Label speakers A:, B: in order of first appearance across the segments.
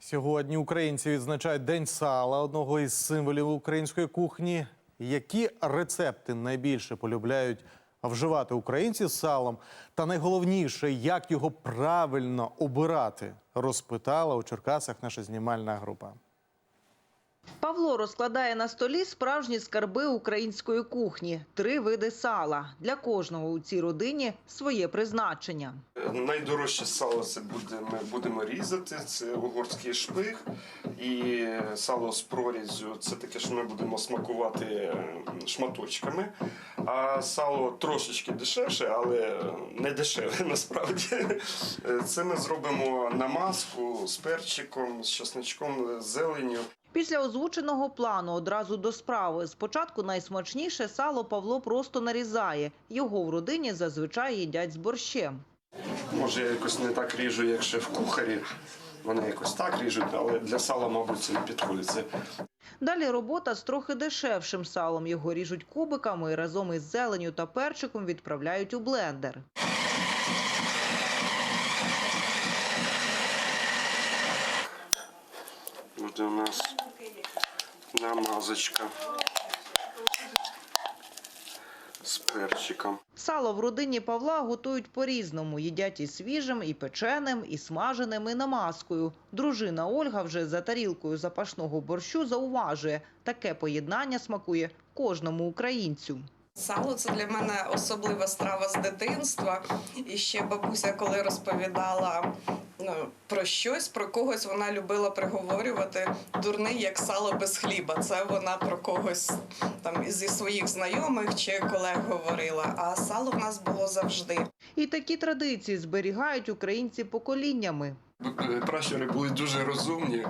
A: Сьогодні українці відзначають День сала, одного із символів української кухні. Які рецепти найбільше полюбляють вживати українці з салом? Та найголовніше, як його правильно обирати, розпитала у Черкасах наша знімальна група.
B: Павло розкладає на столі справжні скарби української кухні. 3 види сала. Для кожного у цій родині своє призначення.
C: Найдорожче сало це ми будемо різати, це угорський шпиг. І сало з проріззю – це таке, що ми будемо смакувати шматочками. А сало трошечки дешевше, але не дешеве насправді. Це ми зробимо намазку з перчиком, з чесничком, з зеленню.
B: Після озвученого плану одразу до справи. Спочатку найсмачніше сало Павло просто нарізає. Його в родині зазвичай їдять з борщем.
C: Може, я якось не так ріжу, як шеф-кухарі. Вони якось так ріжуть, але для сала, мабуть, це не підходить.
B: Далі робота з трохи дешевшим салом. Його ріжуть кубиками і разом із зеленню та перчиком відправляють у блендер.
C: От у нас намазочка з перчиком.
B: Сало в родині Павла готують по-різному. Їдять і свіжим, і печеним, і смаженим, і намазкою. Дружина Ольга вже за тарілкою запашного борщу зауважує, таке поєднання смакує кожному українцю.
D: Сало – це для мене особлива страва з дитинства. І ще бабуся, коли розповідала про щось, про когось, вона любила приговорювати «дурний, як сало без хліба». Це вона про когось там зі своїх знайомих чи колег говорила. А сало в нас було завжди.
B: І такі традиції зберігають українці поколіннями.
C: Пращури були дуже розумні.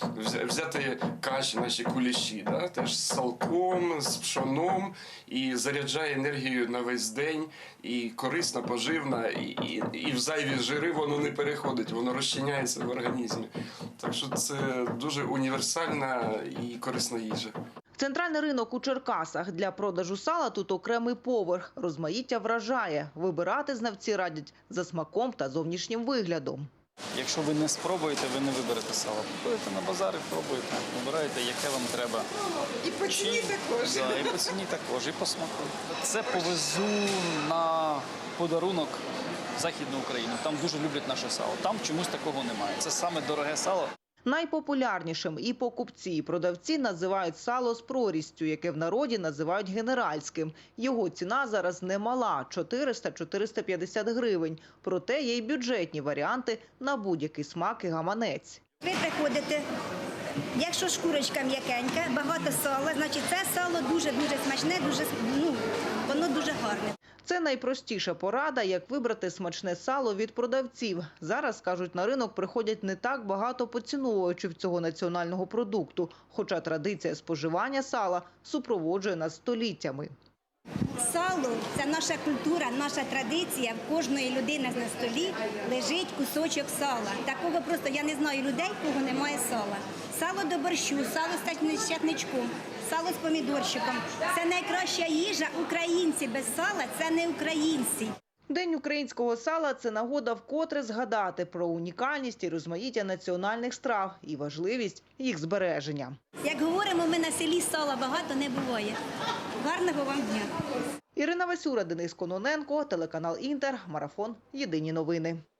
C: Взяти каші, наші куліші, теж з салком, з пшоном, і заряджає енергію на весь день, і корисна, поживна, і в зайві жири воно не переходить, воно розчиняється в організмі. Так що це дуже універсальна і корисна їжа.
B: Центральний ринок у Черкасах. Для продажу сала тут окремий поверх. Розмаїття вражає. Вибирати знавці радять за смаком та зовнішнім виглядом.
E: Якщо ви не спробуєте, ви не виберете сало. Приходите на базар і пробуєте, вибираєте, яке вам треба.
D: І по ціні також.
E: Да, і по ціні також, і по смаку. Це повезу на подарунок в Західну Україну. Там дуже люблять наше сало. Там чомусь такого немає. Це саме дороге сало.
B: Найпопулярнішим і покупці, і продавці називають сало з прорізцю, яке в народі називають генеральським. Його ціна зараз немала – 400-450 гривень. Проте є й бюджетні варіанти на будь-який смак і гаманець.
F: Ви приходите, якщо шкурочка м'якенька, багато сала, значить це сало дуже-дуже смачне, воно дуже гарне.
B: Це найпростіша порада, як вибрати смачне сало від продавців. Зараз, кажуть, на ринок приходять не так багато поціновувачів цього національного продукту, хоча традиція споживання сала супроводжує нас століттями.
F: Сало – це наша культура, наша традиція. В кожної людини на столі лежить кусочок сала. Такого просто я не знаю людей, у кого немає сала. Сало до борщу, сало з чесничком, сало з помідорчиком. Це найкраща їжа. Українці без сала – це не українці.
B: День українського сала – це нагода вкотре згадати про унікальність і розмаїття національних страв і важливість їх збереження.
F: Як говоримо, ми на селі сала багато не буває. Гарного вам дня!
B: Ірина Васюра, Денис Кононенко, телеканал «Інтер», марафон «Єдині новини».